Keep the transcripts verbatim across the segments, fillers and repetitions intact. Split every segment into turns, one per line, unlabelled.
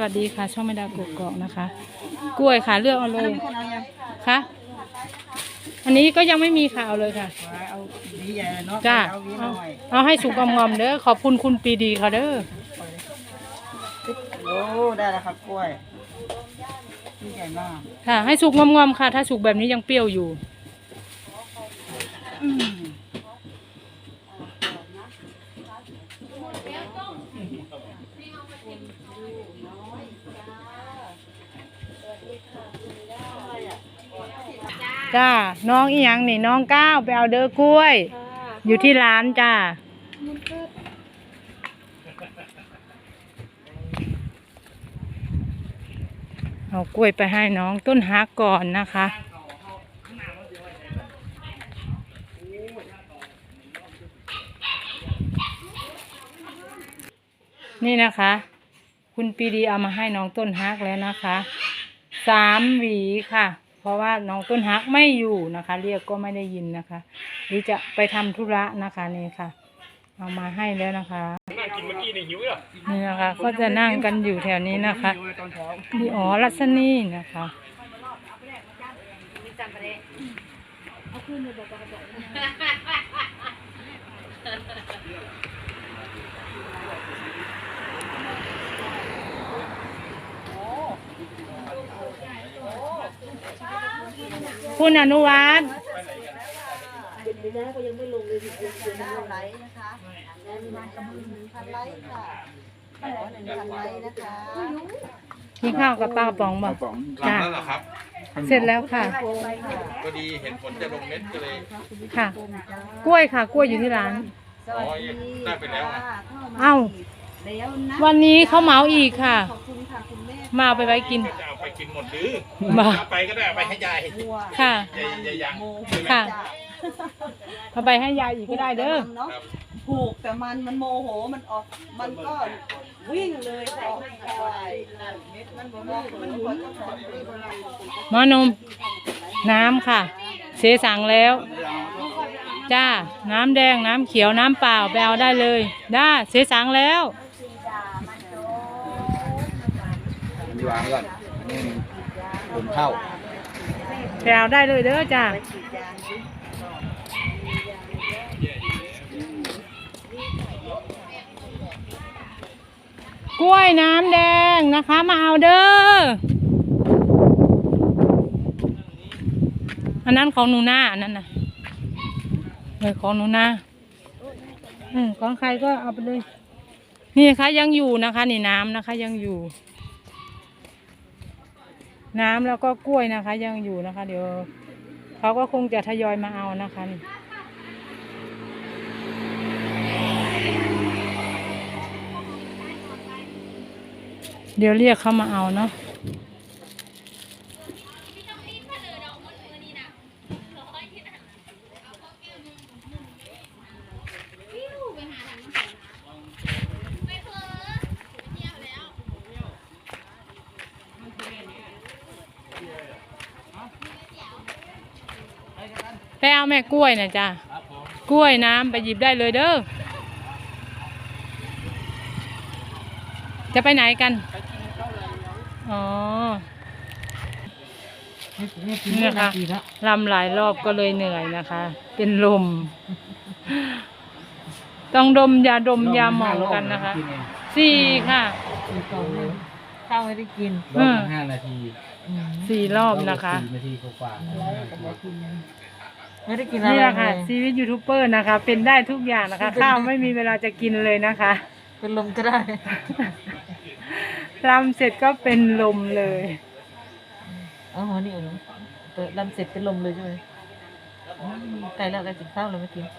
วัสดีค่ะช่องแม่ดาวกกอกนะคะกล้วยค่ะเลือกเอาเลยค่ะอันนี้ก็ยังไม่มีค่ะเอาเลยค่ะ
เอาดีใหญ่เนาะ
จ้า
เอาวีห
เอา
น่อย
เอาให้สุกงอมๆเด้อขอบคุณคุณปีดีค่ะเด้อ
โอ้ได้แล้วครับกล้วยดีใหญ่มาก
ค่ะให้สุกงอมๆค่ะถ้าสุกแบบนี้ยังเปรี้ยวอยู่
อืม
จ้าน้องอีหยังนี่น้องก้าวไปเอาเด้อกล้วย อยู่ที่ร้านจ้าเอากล้วยไปให้น้องต้นฮักก่อนนะคะนี่นะคะ คุณปีดีเอามาให้น้องต้นฮักแล้วนะคะสามหวีค่ะเพราะว่าน้องต้นฮักไม่อยู่นะคะ เรียกก็ไม่ได้ยินนะคะหรือจะไปทำธุระนะคะนี่ค่ะเอามาให้แล้วนะคะนี่นะคะก็จะนั่งกันอยู่แถวนี้นะคะดีอ๋อรัศนีนะคะคุณอนุวัฒน์
เป็นไปได้ก็ยังไม่ลงเลยถึงจะทำไลค์นะคะแล้วมีมากับหนึ่งพันไลค์ค่ะขอหนึ่งพันไลค์นะคะ
กินข้าวกับปลากระป๋องบอก
หลังแล้วเหรอครับ
เสร็จแล้วค่ะ
ก็ดีเห็นผลจะลงเม็ดก็เลย
ค่ะ กล้วยค่ะ กล้วยอยู่ที่ร้าน
อ๋อได้ไปแล้วอ่ะ
เอ้าวันนี้เขาเหมาอีกค่ะ
ขอบคุณค่ะคุณแม่
มาเอาไปไว้กิน
จะเอาไปกินหมดหรือ
มา
เอาไปก็ได้เอาไปให้ยาย
ค่ะ
ยายยายยัง
ค่ะ เอาไปให้ยายอีกก็ได้เด้อ
เนาะผูกแต่มันมันโมโหมันออกมันก็วิ่งเลยออกไปมันโมโหมันหัวจะถอนไปเลย
หมอนม น้ำค่ะ เสสั่งแล้ว จ้า น้ำแดง น้ำเขียว น้ำเปล่าไปเอาได้เลย ได้เสสั่งแล้ว
มีวางก่อนผมเข้า
ไปเอาได้เลยเด้อจ้า กล้วยน้ำแดงนะคะมาเอาเด้อ อันนั้นของหนูนาอันนั้นนะเออของหนูนาอืมของใครก็เอาไปเลย นี่นะคะยังอยู่นะคะ นี่น้ำนะคะยังอยู่ น้ำแล้วก็กล้วยนะคะ ยังอยู่นะคะ เดี๋ยวเขาก็คงจะทยอยมาเอานะคะนี่เดี๋ยวเรียกเขามาเอาเนาะไปเอาแม่กล้วยนะจ้ะกล้วยน้ำไปหยิบได้เลยเด้อจะไปไหนกันอ๋อนี่นะคะลำหลายรอบก็เลยเหนื่อยนะคะ เป็นลม ต้องดมยาดมยาหมองกันนะคะสี่ค่ะ
ข้าวไม่ได้กิน
รอบละ
ห้านาที
สี่รอบนะคะ
สี่นาทีกว่า
ไม่ได้กิน
นี่แหละค่ะชีวิตยูทูบเบอร์นะคะ เป็นได้ทุกอย่างนะคะ ข้าวไม่มีเวลาจะกินเลยนะคะ
เป็นลมก็ได้
รำเสร็จก็เป็นลมเลย
อ๋อนี่เองเปิดลำเสร็จเป็นลมเลยใช่ไหมไก่แล้วไก่กินข้าวเลยไม่กิน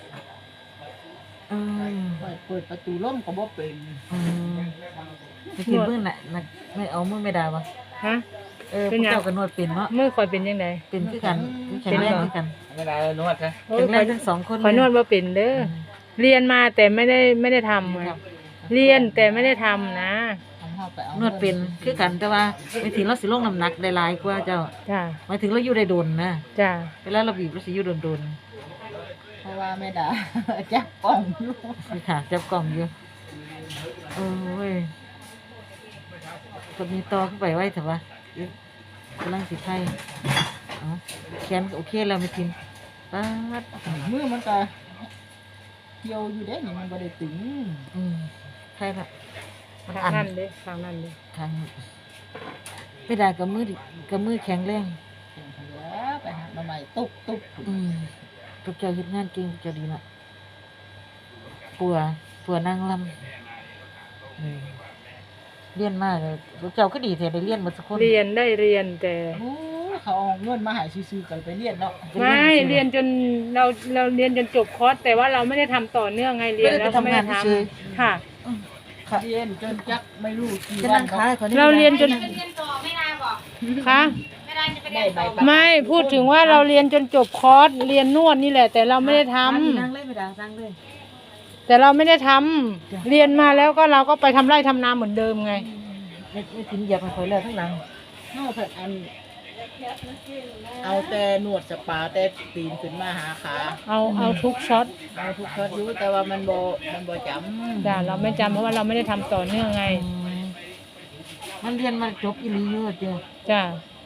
เปิดประตูร่มก็บ่เป็นไม่กินเมื่อไหร่ไม่เอาเมื่อไม่ได้ปะ
ฮะ
เออพวกเจ้ากันนวดเป็นเนาะ
เมื่อคอยเป็นยังไง
เป็นคือกันแข็งแรงคือกัน
ไม่ได้นวดใช่
โอ้
แข็
ย
งแรงทั้งสองคน
คอยนวดว่าเป็นเด้อเรียนมาแต่ไม่ได้ไม่ได้ทำไงเรียนแต่ไม่ได้ทำนะ
นวดเป็นคือกันแต่ว่าไม่ถึงเราสิลงน้ำหนักได้หลายกว่าเจ้า
จ้า
หมายถึงเราอยู่ได้โดนนะ
จ้า
เวลาเราบีบเราสิอยู่โดนโดน
เพราะว่าแม่ดา จับกล่องอยู่
นี่ค่ะจับกล่องอยู่โอ้ย
คนนี้ต่อขึ้นไปไว้เถอะวะกำลังสิไทยอ๋อแขนโอเคแล้วไม่กินป๊าด
มือมันก็เกี่ยวอยู่เด้นี่มันบ่ได้ตึง
อืมใช่ละมัน
ทาง
อัน
นั่นเด้ทางนั่นเด้
ทางไม่ได้กับมือดิกับมือแข็งแรง
เก่งเหลือไปหามาใหม่ตุ๊บตุ๊บ
อืมพวกเจ้าเฮ็ดงานเก่งพวกเจ้าดีละปัวปัวนางลำอืมเรียนมากเลยพวกเจ้าก็ดีแท้ได้เรียนหมดทุกคน
เรียนได้เรียนแต่
โอ้เขาเอาเงินมาให้ซื้อๆกันไปเรียนเนาะ
ไม่เรียนจนเราเราเรียนจนจบคอร์สแต่ว่าเราไม่ได้ทำต่อเนื่องไงเรียนแล้วก็ไม่ได้ทำค่ะ
เรียนจนจักไม่รู้กี่
จะ
วั
นั่
น
งขายขอ
เราเรียนจนคะ
ได้ใบประ
ไม่พูดถึงว่าเราเรียนจนจบคอร์สเรียนนวดนี่แหละ แต่เราไม่ได้ทำ
นั่งเลยไม่ได้นั่งเลย
แต่เราไม่ได้ทำเรียนมาแล้วก็เราก็ไปทำไร่ทำนาเหมือนเดิมไง
ไม่ไม่กินเหยียบมันคอยเลยทั้งหลัง
เฮาเพิ่นอันเอาแต่หนวดสปาแต่ตีนขึ้นมาหาขา
เอาเอาทุกช็อต
เอาทุกช็อตอยู่แต่ว่ามันบ่มันบ่จำ
จ้ะเราไม่จำเพราะว่าเราไม่ได้ทำต่อเนื่องไง
อืมมันเรียนมาจบอีหลีอยู่เจ้า
จ้ะ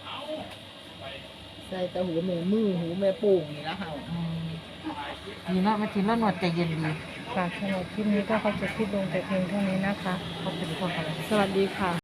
ใส่แต่หูแม่มือหูแม่โป่งนี่ละเฮา
อืมดีเนาะมาถึงแล้วหนวดใจเย็นดี
ค่ะสำหรับคลิปนี้ก็เขาจะคลิปลงแต่เพียงเท่านี้นะคะ
เขาเป็นคนอะไร
สวัสดีค่ะ